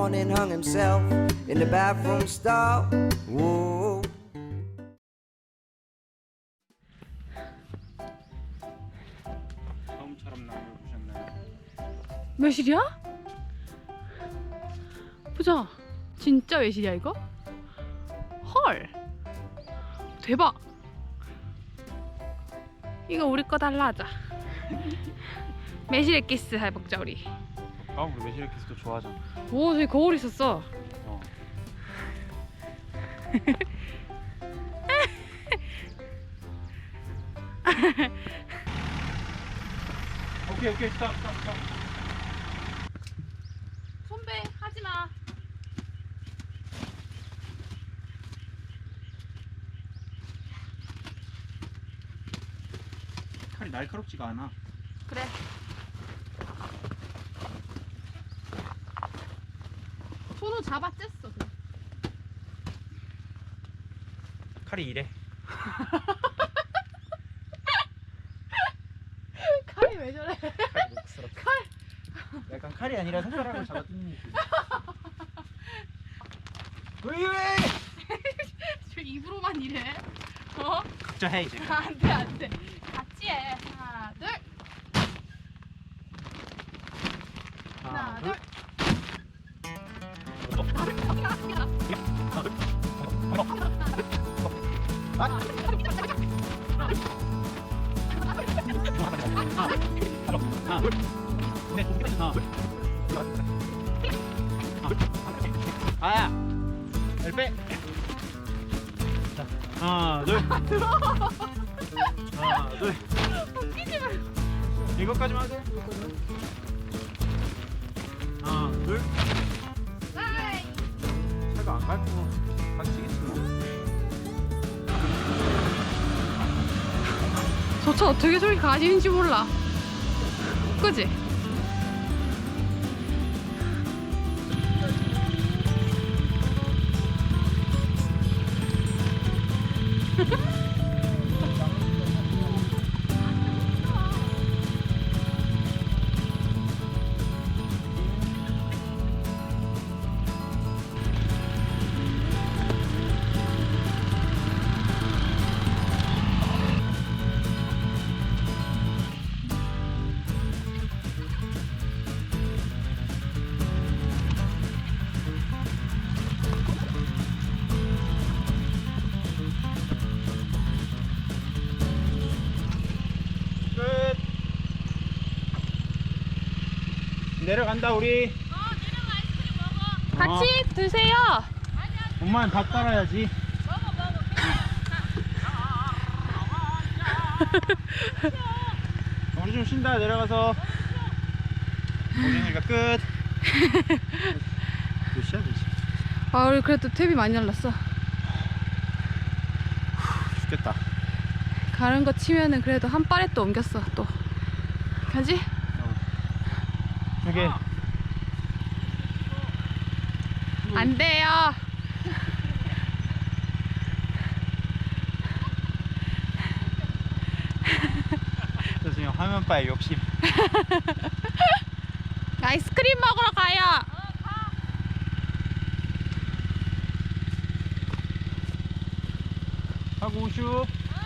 morning hung himself in the bathroom stall. Whoa. 처음처럼 나를 보셨나요? 매실이야? 보자. 진짜 매실이야 이거? 헐. 대박. 이거 우리 거 달라 하자. 매실 엑기스 해먹자 우리. 아 우리 매실 키스도 좋아하잖아. 오 저기 거울 있었어. 오케이 스탑. 손배 하지마. 칼이 날카롭지가 않아. 그래. 손으로 잡아 쬐어. 그래. 칼이 이래. 칼이 왜 저래? 칼이 녹스럽다. 약간 칼이 아니라 손가락을 잡아 뜯는 느낌. 왜? 저 입으로만 이래. 어? 각자 해 이제. 안돼 안돼. 같이 해. 하나 둘. 하나 둘. 아야, 열 빼. 자, 하나, 둘. 하나, 둘. 이거까지만 하자. 하나, 둘. 차가 안 밟고 박치겠어. 저 차 어떻게 저렇게 가지는지 몰라. 그지? 끝. 내려간다 우리. 내려가 아이스크림 먹어. 같이 드세요. 엄마는 밥 따라야지. 우리 좀 쉰다. 내려가서. 오징이가 끝. 몇 시야? 몇 시? 아 우리 그래도 탭이 많이 날랐어. 죽겠다. 가는 거 치면은 그래도 한 발에 또 옮겼어 또. 가지? 저게 안 돼요. 저 지금 화면바에 욕심. 아이스크림 먹으러 가요. 하고 오슈.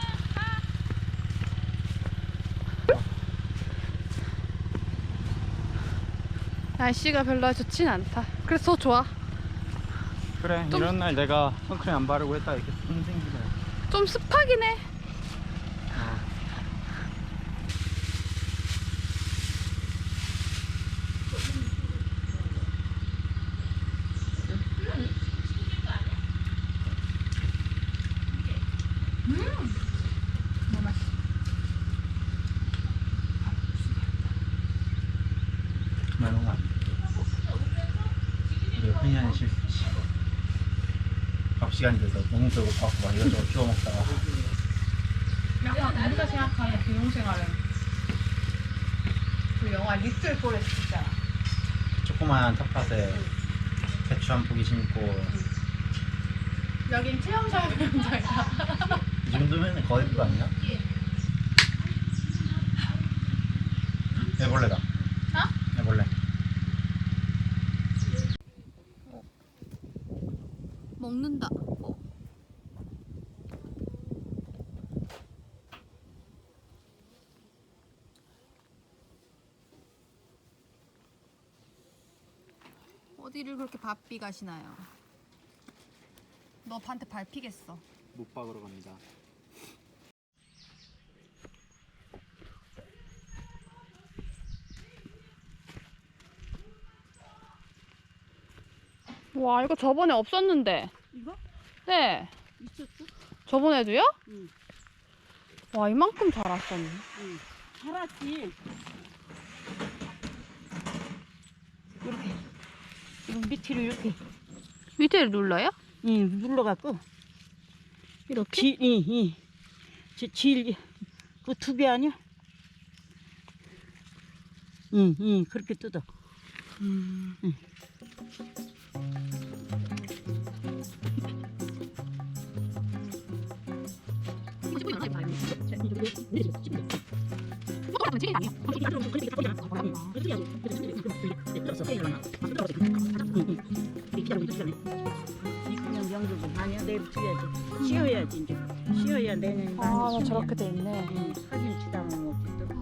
날씨가 별로 좋진 않다. 그래서 더 좋아. 그래 좀- 이런 날 내가 선크림 안 바르고 했다 이렇게 손 생기네. 좀 습하긴 해. 말로 가. 우리 흔히 하는 실수지. 밥 시간이 돼서 너무 배고파갖고 막 이것저것 주워 먹다가. 약간 우리가 생각하는 귀농생활은 그 영화 리틀 포레스트 있잖아. 조그마한 텃밭에 배추 한 포기 심고 여긴 체험사회 현장이야. 이 정도면 거의 그거 아니야? 애벌레다. 어? 애벌레. 먹는다. 어디를 그렇게 바삐 가시나요? 너 반테 밟히겠어. 못 박으러 갑니다. 와, 이거 저번에 없었는데. 이거? 네. 있었어? 저번에도요? 응. 와, 이만큼 자랐었네. 응. 살았지. 이렇게. 이거 밑으로 이렇게. 밑에를 눌러요? 응, 눌러갖고. 이렇게? 이. 그 두 배 아니야? 응, 그렇게 뜯어. 음. 응. 그냥 영국은 아니야. 내일 줘야지. 쉬어야지 이제. 쉬어야 내년. 아, 저렇게 돼 있네. 사진 치다면 없지 또.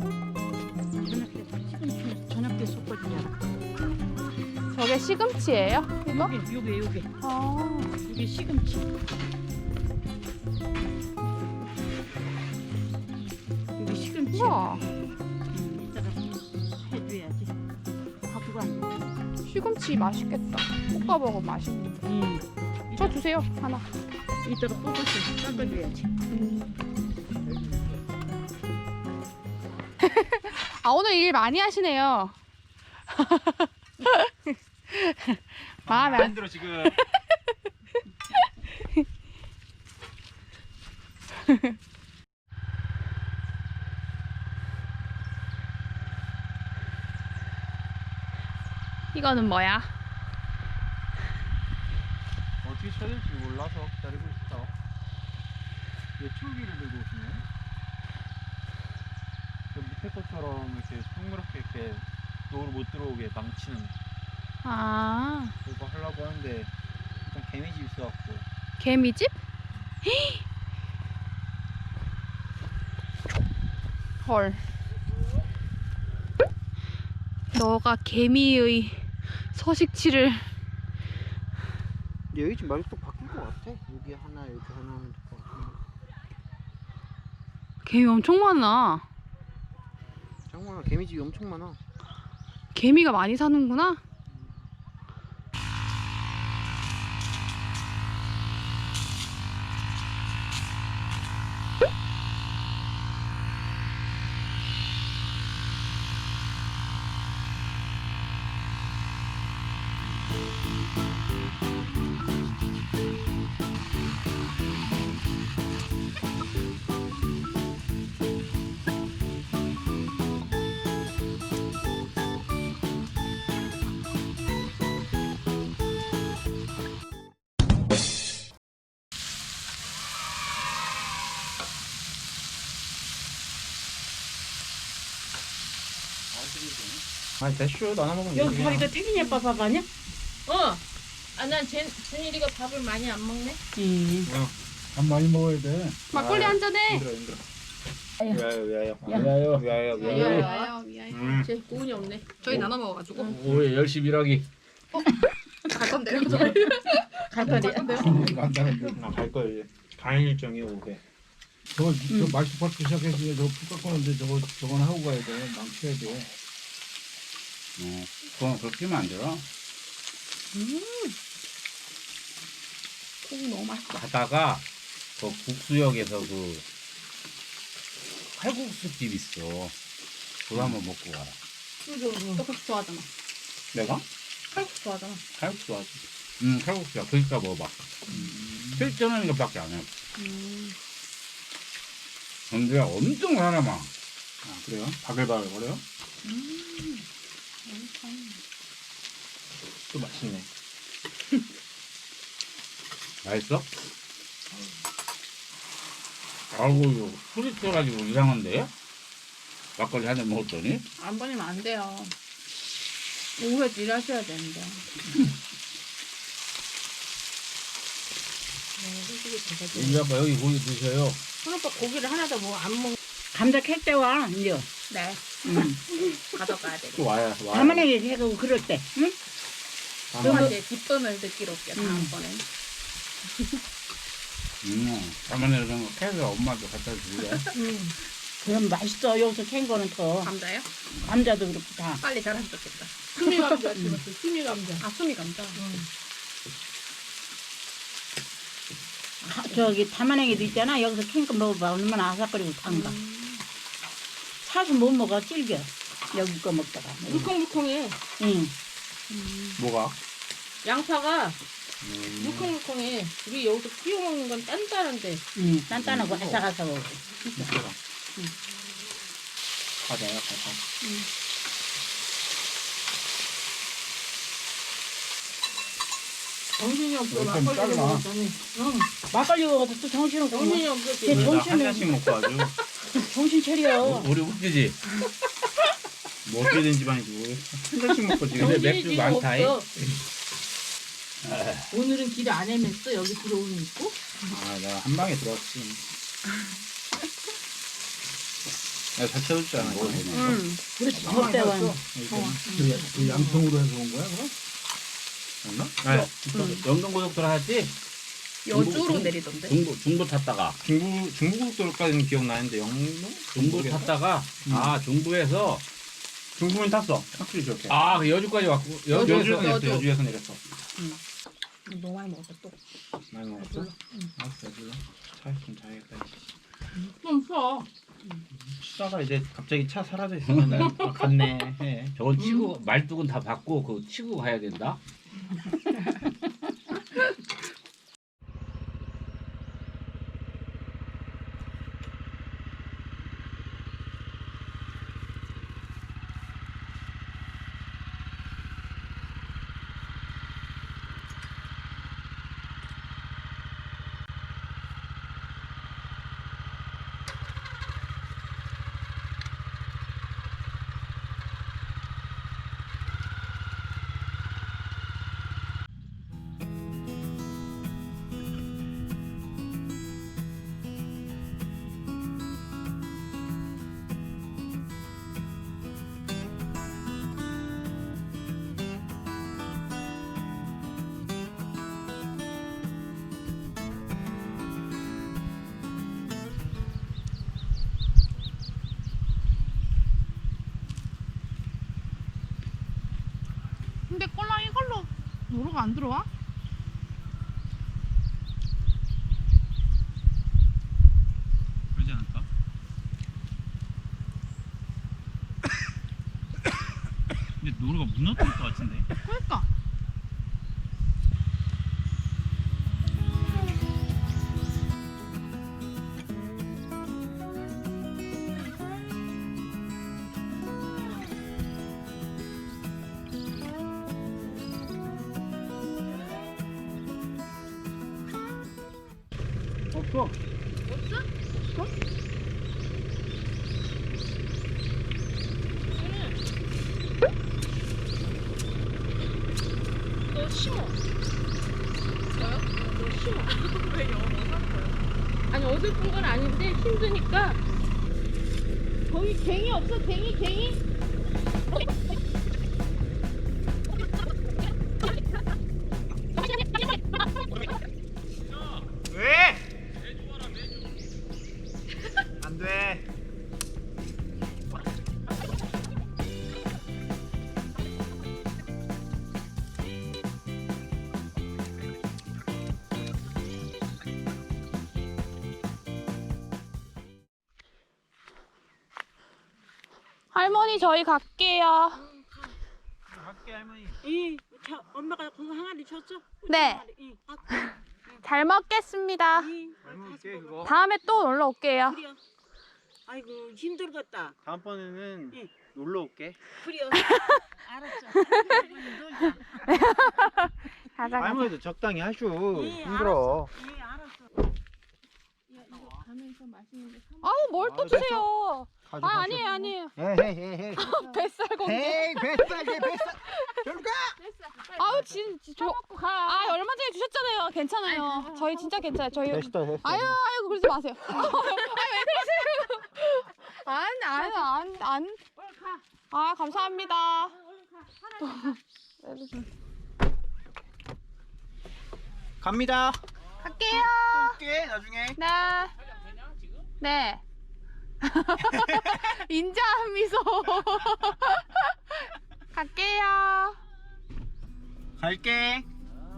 저녁 때 섞어주잖아. 저게 시금치예요? 이거? 요게. 아. 이게 시금치. 이게 시금치. 우와. 이따가 해줘야지. 갖고 가. 시금치 맛있겠다. 볶아 먹으면 맛있는데. 저 주세요, 하나. 이따가 뽑아서 깎아줘야지. 아, 오늘 일 많이 하시네요. 마음에 안 들어 지금. 이거는 뭐야? 어떻게 쳐야 될지 몰라서 기다리고 있어. 예초기를 들고 오시네. 그 밑에 것처럼 이렇게 둥그렇게 이렇게 노루 못 들어오게 망치는 아, 그거 하려고 하는데 일단 개미집 있어갖고. 개미집? 헐. 너가 개미의 서식지를. 여기 지금 많이 또 바뀐 것 같아. 여기 하나 여기 하나 하면 될 것 같아. 개미 엄청 많아. 장만아 개미집이 엄청 많아. 개미가 많이 사는구나. 아니 대쇼 나눠 먹으면 여기 되지, 다리가 태균이 아빠 밥 아니야? 난 준일이가 밥을 많이 안 먹네. 밥 많이 먹어야 돼. 막걸리 한 잔해. 힘들어. 위하여. 미아요, 미아요. 쟤 고은이 없네. 저희 나눠 먹어가지고. 오해 열심히 일하기. 갈 건데요. 갈 거야. 간다는데. 나갈 거야 이제. 가는 일정이 오게. 저 말수 받기 시작했으니 저풀 깎았는데 저건 하고 가야 돼. 망쳐야 돼. 그건 그렇게 하면 안 되나? 콩 너무 맛있다. 가다가 그 국수역에서 그 칼국수 집 있어. 그거 한번 먹고 가라. 너 그렇게 좋아하잖아. 내가? 칼국수 좋아하잖아. 칼국수 좋아하지. 칼국수야. 그러니까 먹어봐. 7,000원 이것밖에 안 해. 근데 엄청 사람아. 아 그래요? 바글바글 거려요? 또 맛있네. 맛있어? 아이고 이거 술이 떠가지고 이상한데? 막걸리 한 잔 먹었더니? 안 버리면 안 돼요. 오후에 일하셔야 되는데. 우리 아빠 여기 고기 드셔요. 손오빠 고기를 하나도 뭐 안 먹. 감자 캘 때 와 이제. 네. 가져가야 돼. 또 와야. 가만히 해고 그럴 때. 응? 엄마한테 기쁨을 느끼러 올게요. 다음번에. 가만히 이런 거 캐서 엄마한테 갖다 줄래? 그럼 맛있어. 여기서 캔 거는 더. 감자요? 감자도 그렇고 다. 빨리 자라면 좋겠다. 수미 감자 심었어. 수미 감자. 아 수미 감자. 저기 담아냉이도 있잖아. 여기서 캔 거 먹어봐. 얼마나 아삭거리고 단가. 사서 못 먹어. 질겨. 여기 거 먹다가. 물컹물컹해. 응. 뭐가? 양파가 물컹물컹해. 우리 여기서 끼워 먹는 건 단단한데. 응. 단단하고 아삭아삭하고. 과자야 과자. 정신이 없어. 좀 막걸리 잘라. 먹었더니. 막걸리 먹어도 또 정신없고. 정신이 없어. 쟤 한 정신을 잔씩 먹고 아주. 정신 차려. 우리 웃기지? 뭐 어떻게 된 집안이지? 한 잔씩 먹고 지금. 근데 맥주 많다잉. 오늘은 길 안 헤맸어. 여기 들어오는 있고. 아 내가 한 방에 들어왔지. 내가 잘 채워줬잖아. 이거. 그렇지. 덥대 와. 그 양평으로 해서 온 거야 그럼? 맞나? 아, 영동고속도로 하지? 여주로 내리던데. 중부 탔다가. 중부고속도로까지는 기억나는데 영동? 중부 탔다가 중부에서 중부는 탔어. 확실히 기억해. 그 여주까지 왔고 여주에서 여주에서 내렸어. 여주에서 내렸어. 너무 많이 먹었어 또. 많이 먹었어? 알았어. 여주. 차 있으면 자야겠다. 좀 써. 치다가 이제 갑자기 차 사라져 있으면 갔네 해. 저건 치고 말뚝은 다 받고 그 치고 가야 된다. 근데 꼴랑 이걸로 노루가 안 들어와? 그러지 않을까? 근데 노루가 무너질 것 같은데. 그러니까. 없어. 너 심어. 뭐요? 너 심어. 왜 영어 못한 거야? 아니 어설픈 건 아닌데 힘드니까. 거기 갱이 없어? 갱이? 왜? 안 돼. 할머니 저희 갈게요. 갈게 할머니. 엄마가 그거 항아리 줬어? 네. 잘 먹겠습니다. 잘 먹을게 그거. 다음에 또 놀러 올게요. 그래요. 아이고 힘들겠다. 다음번에는 응. 놀러 올게. 그래요. 알았어. 놀자. 가자. 할머니도 적당히 하쇼. 예, 힘들어. 예, 알았어. 아우 뭘 또 아, 됐어. 드세요. 아 아니에요 아니에요. 헤헤헤헤. 뱃살 공개. 헤이 뱃살 내 뱃살. 저리 가. 아우 진짜 아 얼마 전에 주셨잖아요. 괜찮아요. 저희 진짜 괜찮아요. 저희 됐어 됐어. 아이고 그러지 마세요. 왜 그러세요? 안. 아 감사합니다. 갑니다. 갈게요. 올게 나중에. 네. 네. 인자한 미소. 갈게요. 갈게.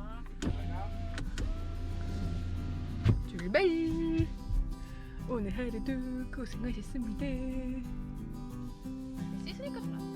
출발. 오늘 하루도 고생하셨습니다. 씻으니까 좀 안 돼.